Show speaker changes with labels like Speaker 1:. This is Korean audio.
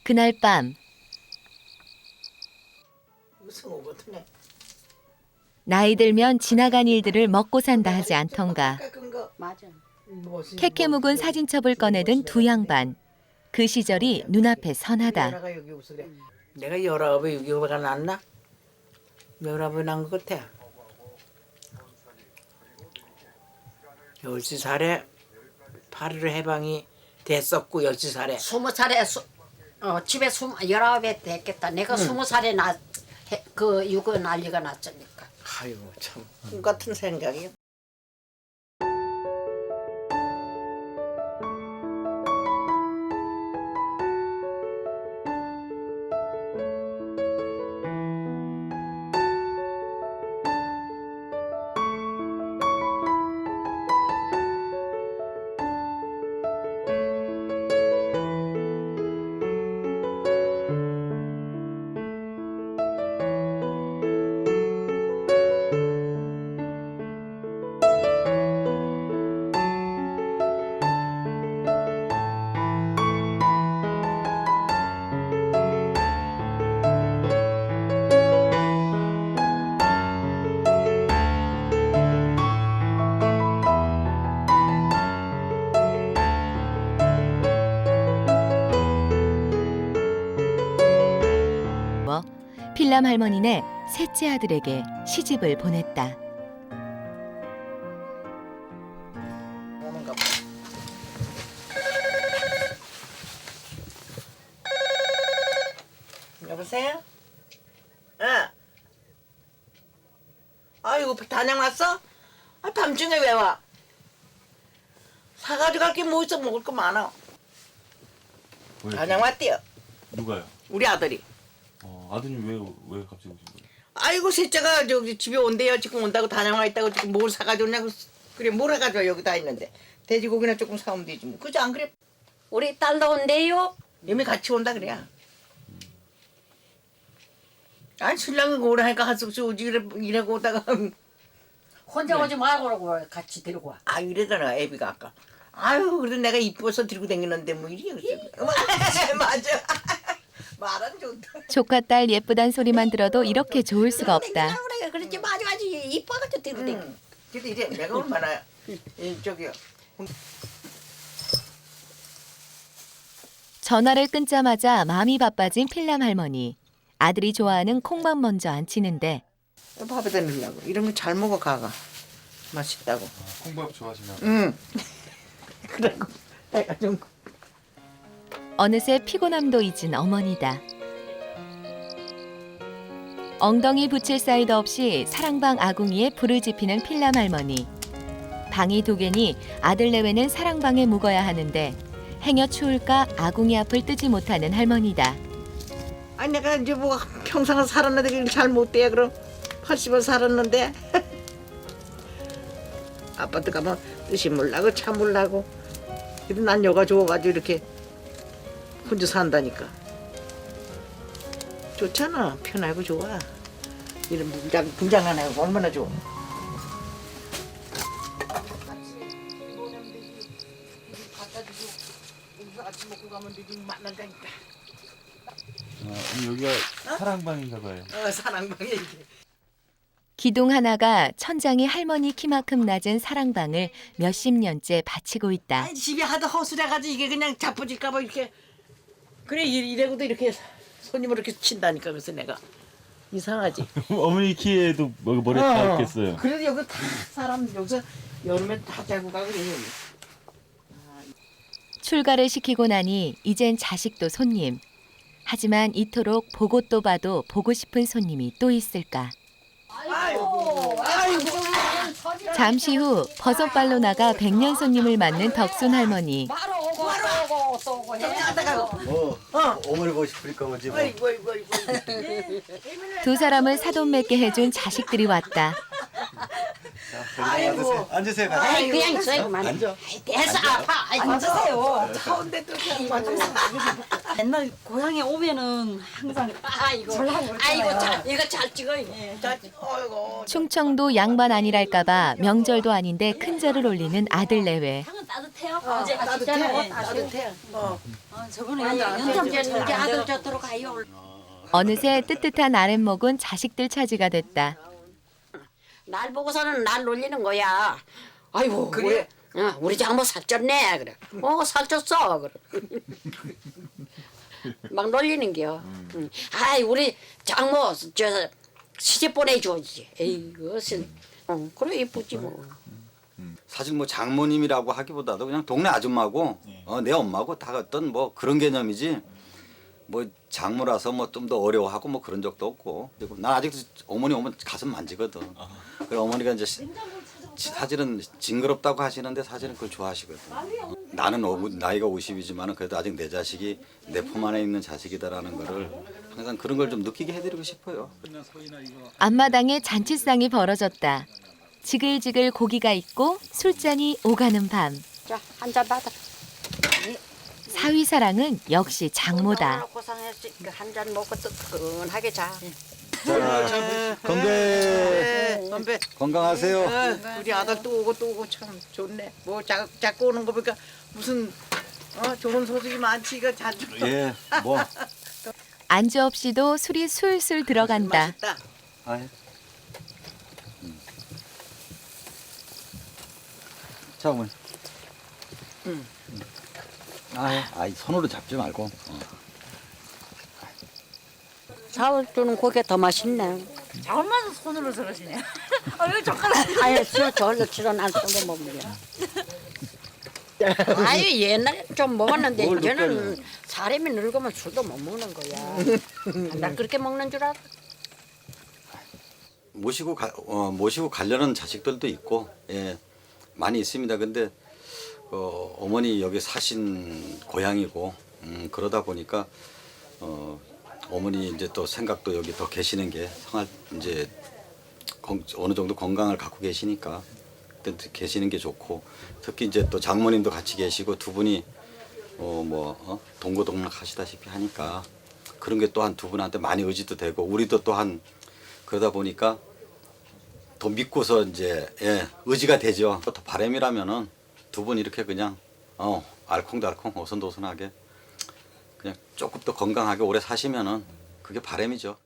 Speaker 1: 그날 밤
Speaker 2: 무슨 오거든요.
Speaker 1: 나이 들면 지나간 일들을 먹고 산다 하지 않던가.
Speaker 3: 맞아.
Speaker 1: 캐캐 묵은 사진첩을 꺼내든 두 양반. 그 시절이 눈앞에 선하다.
Speaker 2: 내가 19에 6.25가 났나? 19에 난 것 같아. 10살에 8.15 해방이 됐었고 10살에
Speaker 3: 20살에 집에 19에 됐겠다. 내가 20살에 그 육아 난리가 났으니까.
Speaker 2: 아이고 참 꿈같은 생각이야.
Speaker 1: 필람 할머니네 셋째 아들에게 시집을 보냈다.
Speaker 2: 오는가 봐. 여보세요? 아이고 단양 왔어? 밤중에 왜 와? 사가지고 갈 게 뭐 있어? 먹을 거 많아. 단양 왔대요.
Speaker 4: 누가요?
Speaker 2: 우리 아들이.
Speaker 4: 아드님 왜 갑자기 오신 거예요?
Speaker 2: 아이고 셋째가 저기 집에 온대요. 지금 온다고 단양 와 있다고 지금 뭘 사가지고 오냐고. 그래 뭘 해가지고 여기 다 있는데 돼지고기나 조금 사오면 되지 뭐. 그죠 안 그래?
Speaker 3: 우리 딸도 온대요.
Speaker 2: 이미 같이 온다 그래. 아니 신랑은 오래 하니까 할 수 없이 오지 이래고 오다가
Speaker 3: 혼자 오지 말고 그러고 같이 데리고 와.
Speaker 2: 아 이래더라 애비가 아까. 아유 그래도 내가 이뻐서 들고 다니는데 뭐 이리 맞아. 말은 좋다.
Speaker 1: 조카 딸 예쁘단 소리만 들어도 이렇게 좋을 수가 없다.
Speaker 3: 그래 그렇지 맞아 이뻐가지고 데리고 다니.
Speaker 2: 근데 이제 내가 얼마나 저기요.
Speaker 1: 전화를 끊자마자 마음이 바빠진 필람 할머니. 아들이 좋아하는 콩밥 먼저 안치는데
Speaker 2: 밥에다 넣으려고. 이런 거 잘 먹어 가가. 맛있다고.
Speaker 4: 콩밥 좋아하시나?
Speaker 2: 응. 그래고 내가 좀
Speaker 1: 어느새 피곤함도 잊은 어머니다. 엉덩이 붙일 사이도 없이 사랑방 아궁이에 불을 지피는 필람 할머니. 방이 두 개니 아들 내외는 사랑방에 묵어야 하는데 행여 추울까 아궁이 앞을 뜨지 못하는 할머니다.
Speaker 2: 아니 내가 이제 뭐 평생을 살았는데 그게 잘 못돼 그럼 80을 살았는데 아파트 가면 뜻이 몰라고 차 몰라고 근데 난 여가 좋아가지고 이렇게 혼자 산다니까 좋잖아 편하고 좋아 이런 분장 안 하고 얼마나 좋아 아침 먹고 가면 되지 만난다니까
Speaker 4: 여기가 사랑방인가 봐요.
Speaker 2: 사랑방에 이게
Speaker 1: 기둥 하나가 천장이 할머니 키만큼 낮은 사랑방을 몇십 년째 바치고 있다.
Speaker 2: 아니 집에 하도 허술해가지고 이게 그냥 자빠질까봐 이렇게 그래 이래고도 이렇게 손님을 이렇게 친다니까 그래서 내가 이상하지.
Speaker 4: 어머니 키에도 머리 닿았겠어요.
Speaker 2: 그래도 여기 다 사람 여기서 여름에 다 자고 가고 그래요.
Speaker 1: 출가를 시키고 나니 이젠 자식도 손님. 하지만 이토록 보고 또 봐도 보고 싶은 손님이 또 있을까.
Speaker 2: 아이고.
Speaker 1: 잠시 후 버섯발로 나가 백년 손님을 맞는 덕순 할머니.
Speaker 3: 바로 오고 또 오고 해.
Speaker 5: 어머니 보고 싶으니까 오지 뭐.
Speaker 2: 아이고.
Speaker 1: 두 사람을 사돈 맺게 해준 자식들이 왔다.
Speaker 2: 아이고.
Speaker 5: 앉으세요.
Speaker 3: 아이 그냥 있어요만.
Speaker 5: 앉아.
Speaker 3: 대서 아파. 아이 앉으세요.
Speaker 2: 가운데 또
Speaker 6: 옛날 고향에 오면은 항상
Speaker 3: 아이고 이거 잘 찍어요.
Speaker 2: 아이고.
Speaker 1: 충청도 양반 아니랄까봐 명절도 아닌데 큰절을 올리는 아들 내외.
Speaker 6: 향은 따뜻해요.
Speaker 3: 이제
Speaker 2: 따뜻해.
Speaker 3: 아시잖아요.
Speaker 2: 따뜻해.
Speaker 6: 저번에
Speaker 3: 이제
Speaker 6: 연장
Speaker 3: 이제 아들 저도록 가요.
Speaker 1: 어느새 뜨뜻한 아랫목은 자식들 차지가 됐다.
Speaker 3: 날 보고서는 날 놀리는 거야. 아이고
Speaker 2: 그래?
Speaker 3: 우리 장모 살쪘네 그래. 살쪘어 그래. 막 놀리는겨. 아이 우리 장모 저 시집 보내줘야지. 에이그 그래 이쁘지 뭐.
Speaker 5: 사실 뭐 장모님이라고 하기보다도 그냥 동네 아줌마고 내 엄마고 다 어떤 뭐 그런 개념이지 뭐 장모라서 뭐 좀 더 어려워하고 뭐 그런 적도 없고 그리고 난 아직도 어머니 오면 가슴 만지거든. 그리고 어머니가 이제 사실은 징그럽다고 하시는데 사실은 그걸 좋아하시거든. 나는 나이가 50이지만 그래도 아직 내 자식이 내 품 안에 있는 자식이다라는 거를 항상 그런 걸 좀 느끼게 해드리고 싶어요.
Speaker 1: 앞마당에 잔치상이 벌어졌다. 지글지글 고기가 있고 술잔이 오가는 밤.
Speaker 3: 자 한 잔 받아.
Speaker 1: 사위사랑은 역시 장모다.
Speaker 3: 고생했지. 한 잔 먹고 뜨끈하게 자.
Speaker 5: 자, 건배
Speaker 2: 건배.
Speaker 5: 건강하세요.
Speaker 2: 우리 아들 또 오고 참 좋네. 뭐 자꾸 오는 거 보니까 무슨 좋은 소식이 많지 이거 자주.
Speaker 5: 예, 뭐.
Speaker 1: 안주 없이도 술이 술술 들어간다.
Speaker 2: 맛있다.
Speaker 5: 아이. 자, 어머니. 아이, 손으로 잡지 말고.
Speaker 3: 사올 주는 고기 더 맛있네.
Speaker 6: 얼마나 손으로 저러시네. 왜 젓가락?
Speaker 3: 아예 저걸로 치러난 손도 못 먹여. 아유 옛날에 좀 먹었는데
Speaker 5: 뭘
Speaker 3: 이제는
Speaker 5: 느껴요?
Speaker 3: 사람이 늙으면 술도 못 먹는 거야. 나 그렇게 먹는 줄 알아?
Speaker 5: 모시고 가려는 자식들도 있고, 예, 많이 있습니다. 근데 어머니 여기 사신 고향이고, 그러다 보니까 어머니 이제 또 생각도 여기 더 계시는 게 생활 이제 어느 정도 건강을 갖고 계시니까 계시는 게 좋고, 특히 이제 또 장모님도 같이 계시고 두 분이 동고동락 하시다시피 하니까 그런 게 또한 두 분한테 많이 의지도 되고 우리도 또한 그러다 보니까 더 믿고서 이제 의지가 되죠. 또 바람이라면은 두 분 이렇게 그냥 알콩달콩 오손도손하게 그냥 조금 더 건강하게 오래 사시면은 그게 바람이죠.